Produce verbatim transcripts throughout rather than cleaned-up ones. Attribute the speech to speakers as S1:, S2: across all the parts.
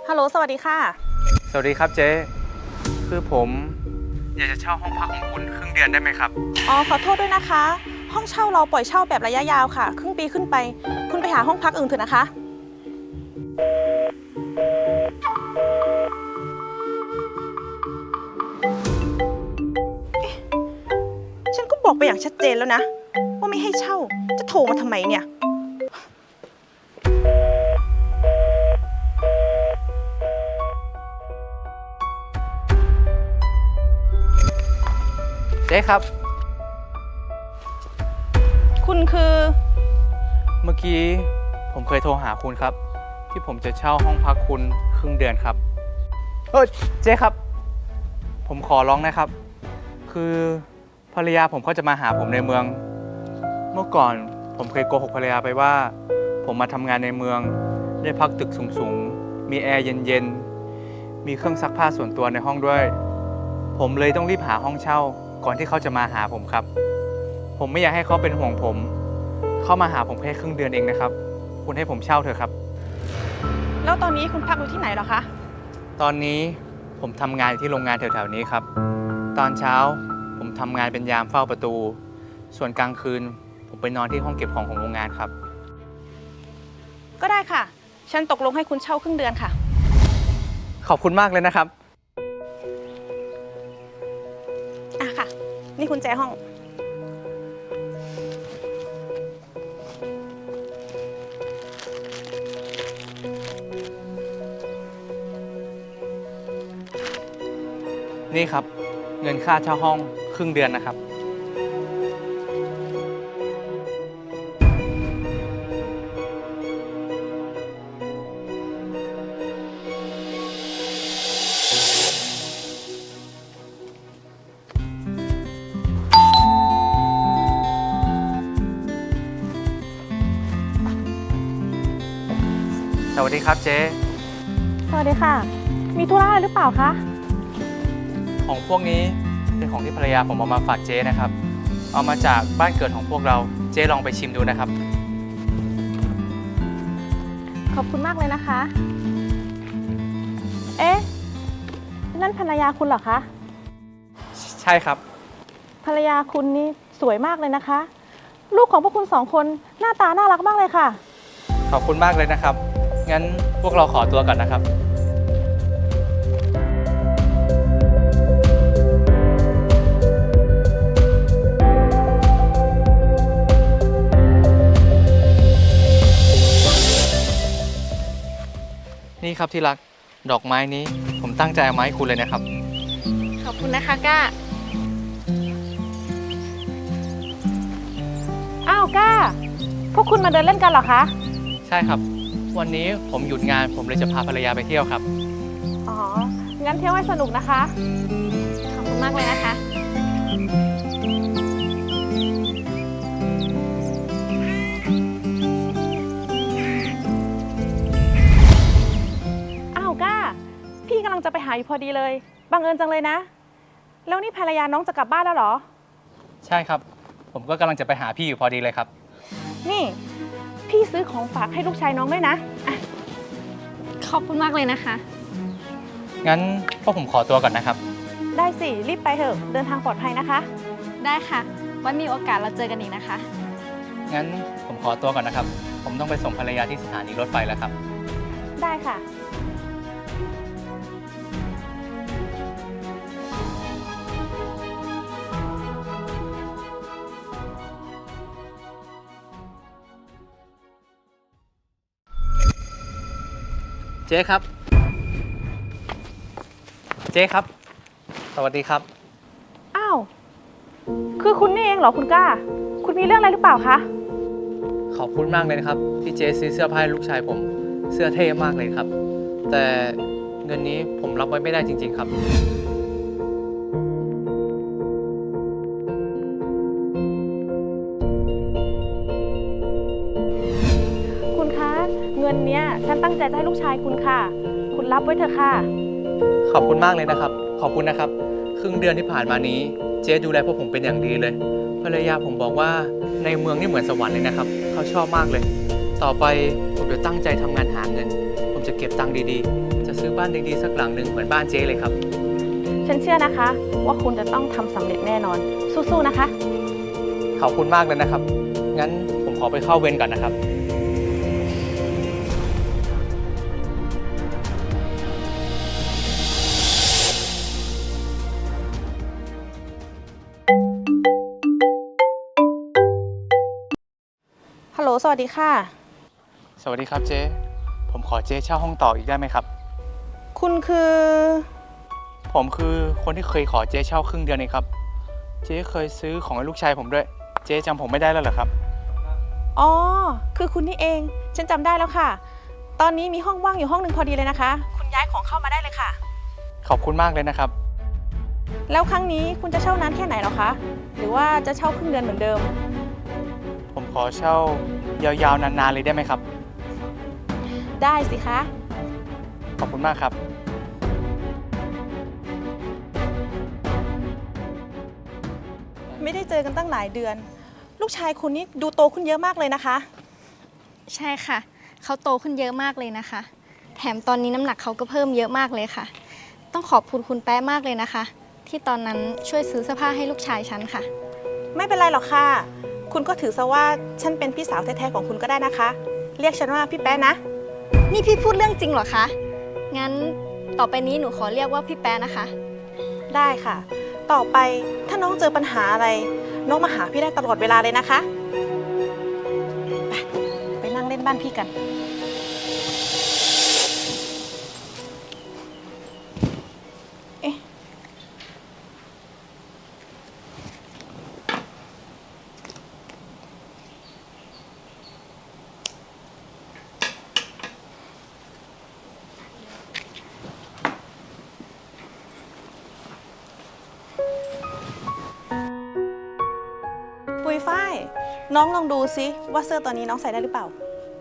S1: ฮัลโหลสวัสดีค่ะ
S2: สวัสดีครับเจ๊คือผมอยากจะเช่าห้องพักของคุณครึ่งเดือนได้ไหมครับ
S1: อ๋อขอโทษด้วยนะคะ ห้องเช่าเราปล่อยเช่าแบบระยะยาวค่ะครึ่งปีขึ้นไป คุณไปหาห้องพักอื่นเถอะนะคะเอ๊ะฉันก็บอกไปอย่างชัดเจนแล้วนะว่าไม่ให้เช่าจะโทรมาทำไมเนี่ย
S2: เจ๊ครับ
S1: คุณคือ
S2: เมื่อกี้ผมเคยโทรหาคุณครับที่ผมจะเช่าห้องพักคุณครึ่งเดือนครับเออเจ๊ครับผมขอร้องนะครับคือภรรยาผมเขาจะมาหาผมในเมือง เมื่อก่อนผมเคยโกหกภรรยาไปว่าผมมาทำงานในเมืองได้พักตึกสูงๆมีแอร์เย็นๆมีเครื่องซักผ้าส่วนตัวในห้องด้วยผมเลยต้องรีบหาห้องเช่าก่อนที่เขาจะมาหาผมครับผมไม่อยากให้เขาเป็นห่วงผมเขามาหาผมแค่ครึ่งเดือนเองนะครับคุณให้ผมเช่าเถอะครับ
S1: แล้วตอนนี้คุณพักอยู่ที่ไหนเหรอคะ
S2: ตอนนี้ผมทำงานที่โรงงานแถวๆนี้ครับตอนเช้าผมทำงานเป็นยามเฝ้าประตูส่วนกลางคืนผมไปนอนที่ห้องเก็บของของโรงงานครับ
S1: ก็ได้ค่ะฉันตกลงให้คุณเช่าครึ่งเดือนค่ะ
S2: ขอบคุณมากเลยนะครับ
S1: อ่ะค่ะนี่คุณแจห้อง
S2: นี่ครับเงินค่าเช่าห้องครึ่งเดือนนะครับสวัสดีครับเจ๊
S1: สวัสดีค่ะ มีธุระอะไรหรือเปล่าคะ
S2: ของพวกนี้เป็นของที่ภรรยาผมเอามาฝากเจ๊นะครับเอามาจากบ้านเกิดของพวกเราเจ๊ลองไปชิมดูนะครับ
S1: ขอบคุณมากเลยนะคะ เอ๊ะ นั่นภรรยาคุณเหรอคะ
S2: ใช่ครับ
S1: ภรรยาคุณนี่สวยมากเลยนะคะ ลูกของพวกคุณสองคนหน้าตาน่ารักมากเลยค่ะ
S2: ขอบคุณมากเลยนะครับงั้นพวกเราขอตัวก่อนนะครับนี่ครับที่รักดอกไม้นี้ผมตั้งใจเอามาให้คุณเลยนะครับ
S1: ขอบคุณนะคะก้า อ้าวก้า พวกคุณมาเดินเล่นกันเหรอคะ
S2: ใช่ครับวันนี้ผมหยุดงานผมเลยจะพาภรรยาไปเที่ยวครับ
S1: อ๋อ งั้นเที่ยวให้สนุกนะคะ ขอบคุณมากเลยนะคะ อ้าวก้า พี่กำลังจะไปหาอยู่พอดีเลย บังเอิญจังเลยนะ แล้วนี่ภรรยาน้องจะกลับบ้านแล้วเหรอ
S2: ใช่ครับผมก็กำลังจะไปหาพี่อยู่พอดีเลยครับ
S1: นี่ พี่ซื้อของฝากให้ลูกชายน้องด้วยนะอะ
S3: ขอบคุณมากเลยนะคะ
S2: งั้นพวกผมขอตัวก่อนนะครับ
S1: ได้สิ รีบไปเถอะ เดินทางปลอดภัยนะคะ
S3: ได้ค่ะไว้มีโอกาสเราเจอกันอีกนะคะ
S2: งั้นผมขอตัวก่อนนะครับผมต้องไปส่งภรรยาที่สถานีรถไฟแล้วครับ
S1: ได้ค่ะ
S2: เจ๊ครับเจ๊ครับ สวัสดีครับ
S1: อ้าว คือคุณนี่เองเหรอคุณกล้า คุณมีเรื่องอะไรหรือเปล่าคะ
S2: ขอบคุณมากเลยนะครับที่เจ๊ซื้อเสื้อผ้าให้ลูกชายผมเสื้อเท่มากเลยครับแต่เงินนี้ผมรับไว้ไม่ได้จริงๆครับ
S1: คุณคะ เงินเนี้ยฉันตั้งใจจะให้ลูกชายคุณค่ะ คุณรับไว้เถอะค่ะ
S2: ขอบคุณมากเลยนะครับขอบคุณนะครับครึ่งเดือนที่ผ่านมานี้เจ๊ดูแลพวกผมเป็นอย่างดีเลยภรรยาผมบอกว่าในเมืองนี่เหมือนสวรรค์เลยนะครับเขาชอบมากเลยต่อไปผมจะตั้งใจทำงานหาเงินผมจะเก็บตังค์ดีๆจะซื้อบ้านดีๆสักหลังหนึ่งเหมือนบ้านเจ๊เลยครับ
S1: ฉันเชื่อนะคะ ว่าคุณจะต้องทำสำเร็จแน่นอน สู้ๆนะคะ
S2: ขอบคุณมากเลยนะครับ งั้นผมขอไปเข้าเวรก่อนนะครับ
S1: ฮัลโหล สวัสดีค่ะ
S2: สวัสดีครับเจ๊ ผมขอเจ๊เช่าห้องต่ออีกได้ไหมครับ
S1: คุณคือ
S2: ผมคือคนที่เคยขอเจ๊เช่าครึ่งเดือนเองครับ เจ๊เคยซื้อของให้ลูกชายผมด้วย เจ๊จำผมไม่ได้แล้วเหรอครับ
S1: อ๋อ คือคุณนี่เอง ฉันจำได้แล้วค่ะ ตอนนี้มีห้องว่างอยู่ห้องหนึ่งพอดีเลยนะคะ คุณย้ายของเข้ามาได้เลยค่ะ
S2: ขอบคุณมากเลยนะครับ
S1: แล้วครั้งนี้คุณจะเช่านานแค่ไหนหรอคะ หรือว่าจะเช่าครึ่งเดือนเหมือนเดิม
S2: ผมขอเช่ายาวๆนานๆเลยได้ไหมครับ
S1: ได้สิคะ
S2: ขอบคุณมากครับ
S1: ไม่ได้เจอกันตั้งหลายเดือน ลูกชายคุณนี่ดูโตขึ้นเยอะมากเลยนะคะ
S3: ใช่ค่ะ เขาโตขึ้นเยอะมากเลยนะคะ แถมตอนนี้น้ำหนักเขาก็เพิ่มเยอะมากเลยค่ะ ต้องขอบคุณคุณแป๊ะมากเลยนะคะ ที่ตอนนั้นช่วยซื้อเสื้อผ้าให้ลูกชายฉันค่ะ
S1: ไม่เป็นไรหรอกค่ะ คุณก็ถือซะว่าฉันเป็นพี่สาวแท้ๆของคุณก็ได้นะคะ เรียกฉันว่าพี่แป๊ะนะ
S3: นี่พี่พูดเรื่องจริงเหรอคะ งั้นต่อไปนี้หนูขอเรียกว่าพี่แป๊ะนะคะ
S1: ได้ค่ะ ต่อไปถ้าน้องเจอปัญหาอะไร น้องมาหาพี่ได้ตลอดเวลาเลยนะคะ ไปไปนั่งเล่นบ้านพี่กัน เอ๊ะ ปุยฝ้าย น้องลองดูซิว่าเสื้อตัวนี้น้องใส่ได้หรือเปล่า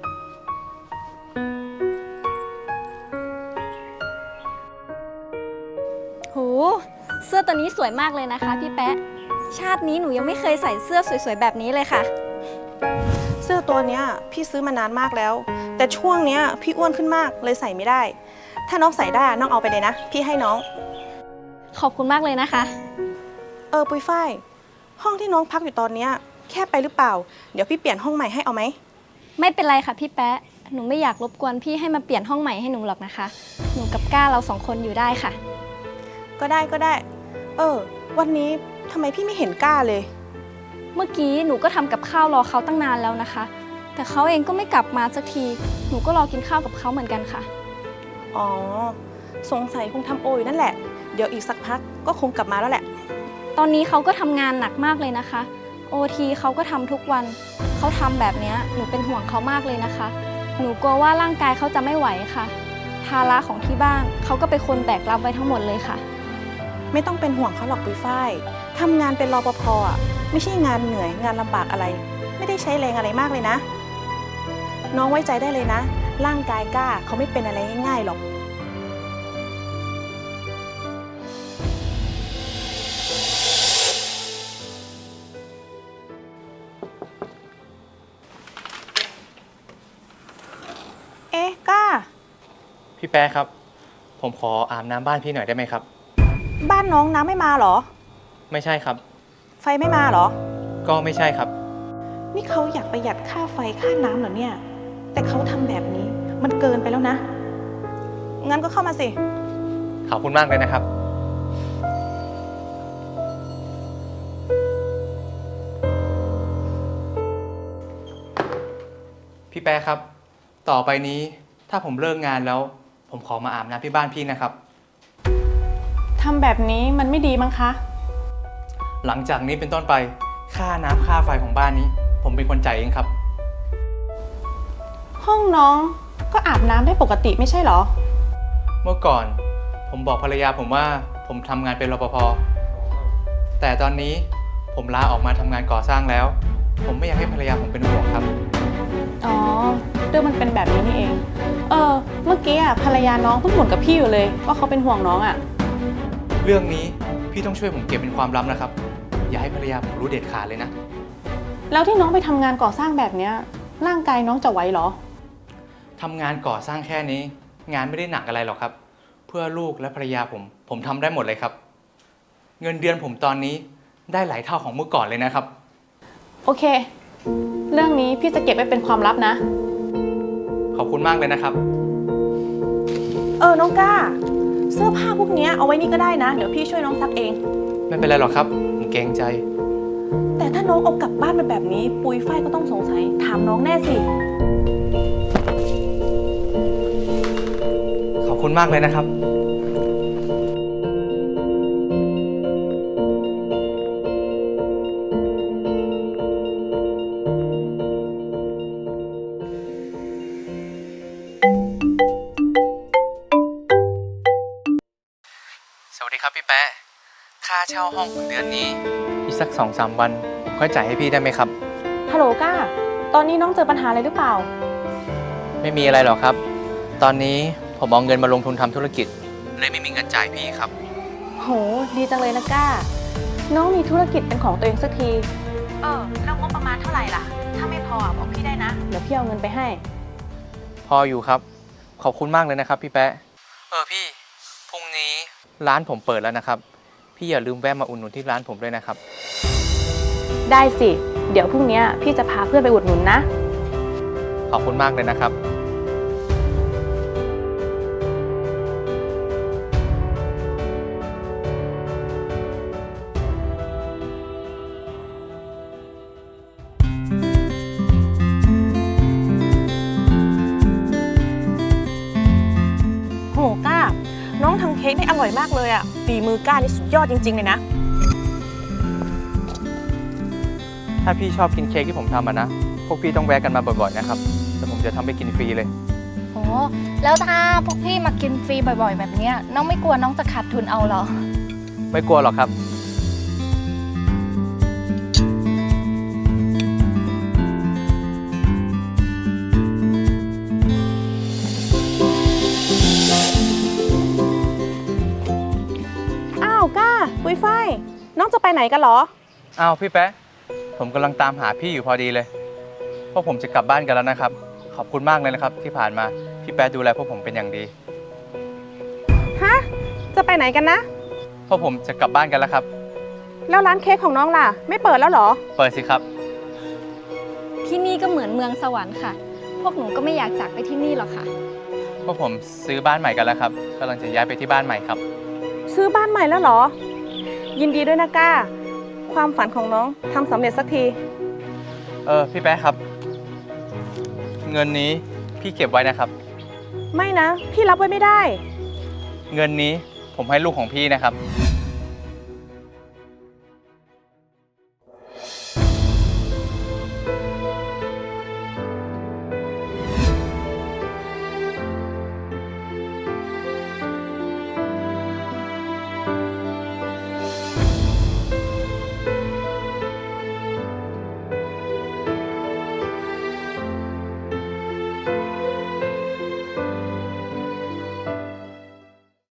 S3: โห เสื้อตัวนี้สวยมากเลยนะคะพี่แป๊ะ ชาตินี้หนูยังไม่เคยใส่เสื้อสวยๆแบบนี้เลยค่ะ
S1: เสื้อตัวเนี้ยพี่ซื้อมานานมากแล้ว แต่ช่วงเนี้ยพี่อ้วนขึ้นมากเลยใส่ไม่ได้ ถ้าน้องใส่ได้น้องเอาไปเลยนะ พี่ให้น้อง
S3: ขอบคุณมากเลยนะคะ
S1: เออปุยฝ้าย ห้องที่น้องพักอยู่ตอนเนี้ยแคบไปหรือเปล่า เดี๋ยวพี่เปลี่ยนห้องใหม่ให้เอาไหม
S3: ไม่เป็นไรค่ะพี่แป๊ะ หนูไม่อยากรบกวนพี่ให้มาเปลี่ยนห้องใหม่ให้หนูหรอกนะคะ หนูกับก้าเราสองคนอยู่ได้ค่ะ
S1: ก็ได้ก็ได้ เออ วันนี้ทำไมพี่ไม่เห็นกล้าเลย
S3: เมื่อกี้หนูก็ทำกับข้าวรอเขาตั้งนานแล้วนะคะ แต่เขาเองก็ไม่กลับมาสักที หนูก็รอกินข้าวกับเขาเหมือนกันค่ะ
S1: อ๋อ สงสัยคงทำโออยู่นั่นแหละ เดี๋ยวอีกสักพักก็คงกลับมาแล้วแหละ
S3: ตอนนี้เขาก็ทำงานหนักมากเลยนะคะ โอ ที เขาก็ทำทุกวัน เขาทำแบบนี้หนูเป็นห่วงเขามากเลยนะคะ หนูกลัวว่าร่างกายเขาจะไม่ไหวค่ะ ภาระของที่บ้านเขาก็เป็นคนแบกรับไว้ทั้งหมดเลยค่ะ
S1: ไม่ต้องเป็นห่วงเขาหรอกปุยฝ้ายทำงานเป็นรปภอ่ะไม่ใช่งานเหนื่อยงานลำบากอะไร ไม่ได้ใช้แรงอะไรมากเลยนะ น้องไว้ใจได้เลยนะ ร่างกายกล้าเขาไม่เป็นอะไรง่ายๆหรอก เอ๊ะกล้า
S2: พี่แป๊ะครับ ผมขออาบน้ำบ้านพี่หน่อยได้ไหมครับ
S1: บ้านน้องน้ำไม่มาเหรอ
S2: ไม่ใช่ครับ
S1: ไฟไม่มาเหรอ
S2: ก็ไม่ใช่ครับ
S1: นี่เขาอยากประหยัดค่าไฟค่าน้ำเหรอเนี่ย แต่เขาทำแบบนี้มันเกินไปแล้วนะ งั้นก็เข้ามาสิ
S2: ขอบคุณมากเลยนะครับ พี่แป๊ะครับ ต่อไปนี้ถ้าผมเลิกงานแล้ว ผมขอมาอาบน้ำที่บ้านพี่นะครับ
S1: ทำแบบนี้มันไม่ดีมั้งคะ
S2: หลังจากนี้เป็นต้นไปค่าน้ำค่าไฟของบ้านนี้ ผมเป็นคนจ่ายเองครับ
S1: ห้องน้องก็อาบน้ำได้ปกติไม่ใช่เหรอ
S2: เมื่อก่อนผมบอกภรรยาผมว่าผมทำงานเป็นรปภ แต่ตอนนี้ผมลาออกมาทำงานก่อสร้างแล้ว ผมไม่อยากให้ภรรยาผมเป็นห่วงครับ
S1: อ๋อ เรื่องมันเป็นแบบนี้นี่เอง เออ เมื่อกี้อ่ะภรรยาน้องเพิ่งบ่นกับพี่อยู่เลยว่าเขาเป็นห่วงน้องอ่ะ
S2: เรื่องนี้พี่ต้องช่วยผมเก็บเป็นความลับนะครับ อย่าให้ภรรยาผมรู้เด็ดขาดเลยนะ
S1: แล้วที่น้องไปทำงานก่อสร้างแบบเนี้ยร่างกายน้องจะไหวเหรอ
S2: ทำงานก่อสร้างแค่นี้ งานไม่ได้หนักอะไรหรอกครับพื่อลูกและภรรยาผม ผมทำได้หมดเลยครับ เงินเดือนผมตอนนี้ได้หลายเท่าของเมื่อก่อนเลยนะครับ
S4: โอเค เรื่องนี้พี่จะเก็บไว้เป็นความลับนะ
S2: ขอบคุณมากเลยนะครับ
S1: เออ น้องก้า เสื้อผ้าพวกเนี้ยเอาไว้นี่ก็ได้นะ เดี๋ยวพี่ช่วยน้องซักเอง
S2: ไม่เป็นไรหรอกครับ ผมเกรงใจ
S1: แต่ถ้าน้องเอากลับบ้านไปแบบนี้ ปุยฝ้ายก็ต้องสงสัย ถามน้องแน่สิ
S2: ขอบคุณมากเลยนะครับ สวัสดีครับพี่แป๊ะ ค่าเช่าห้องของเดือนนี้อีกสักสองสามวัน ผมค่อยจ่ายให้พี่ได้ไหมครับ
S1: ฮัลโหลก้า ตอนนี้น้องเจอปัญหาอะไรหรือเปล่า
S2: ไม่มีอะไรหรอกครับ ตอนนี้ผมเอาเงินมาลงทุนทำธุรกิจ เลยไม่มีเงินจ่ายพี่ครับ
S1: โห ดีจังเลยนะก้า น้องมีธุรกิจเป็นของตัวเองสักที เออ แล้วงบประมาณเท่าไหร่ล่ะ ถ้าไม่พอบอกพี่ได้นะ เดี๋ยวพี่เอาเงินไปให้
S2: พออยู่ครับ ขอบคุณมากเลยนะครับพี่แป๊ะ เออพี่ พรุ่งนี้ร้านผมเปิดแล้วนะครับ พี่อย่าลืมแวะมาอุดหนุนที่ร้านผมด้วยนะครับ
S1: ได้สิ เดี๋ยวพรุ่งนี้พี่จะพาเพื่อนไปอุดหนุนนะ
S2: ขอบคุณมากเลยนะครับ
S1: โหก้า น้องทำเค้กได้อร่อยมากเลยอะฝีมือก้านี่สุดยอดจริงๆเลยนะ
S2: ถ้าพี่ชอบกินเค้กที่ผมทำอะนะ พวกพี่ต้องแวะกันมาบ่อยๆนะครับแต่ผมจะทำให้กินฟรีเลย
S5: โอ้แล้วถ้าพวกพี่มากินฟรีบ่อยๆ แบบเนี้ยน้องไม่กลัวน้องจะขาดทุนเอาเหรอ
S2: ไม่กลัวหรอกครับ
S1: อ้าวก้า ปุยฝ้าย น้องจะไปไหนกันเหรอ
S2: อ้าวพี่แป๊ะ ผมกำลังตามหาพี่อยู่พอดีเลยพวกผมจะกลับบ้านกันแล้วนะครับ ขอบคุณมากเลยนะครับ ที่ผ่านมาพี่แป๊ะดูแลพวกผมเป็นอย่างดี
S1: ฮะ จะไปไหนกันนะ
S2: พวกผมจะกลับบ้านกันแล้วครับ
S1: แล้วร้านเค้กของน้องล่ะ ไม่เปิดแล้วเหรอ
S2: เปิดสิครับ
S3: ที่นี่ก็เหมือนเมืองสวรรค์ค่ะ พวกหนูก็ไม่อยากจากไปที่นี่หรอกค่ะ
S2: พวกผมซื้อบ้านใหม่กันแล้วครับกำลังจะย้ายไปที่บ้านใหม่ครับ
S1: ซื้อบ้านใหม่แล้วเหรอ ยินดีด้วยนะก้า ความฝันของน้องทำสำเร็จสักที
S2: เออพี่แป๊ะครับ เงินนี้พี่เก็บไว้นะครับ
S1: ไม่นะ พี่รับไว้ไม่ได้
S2: เงินนี้ผมให้ลูกของพี่นะครับ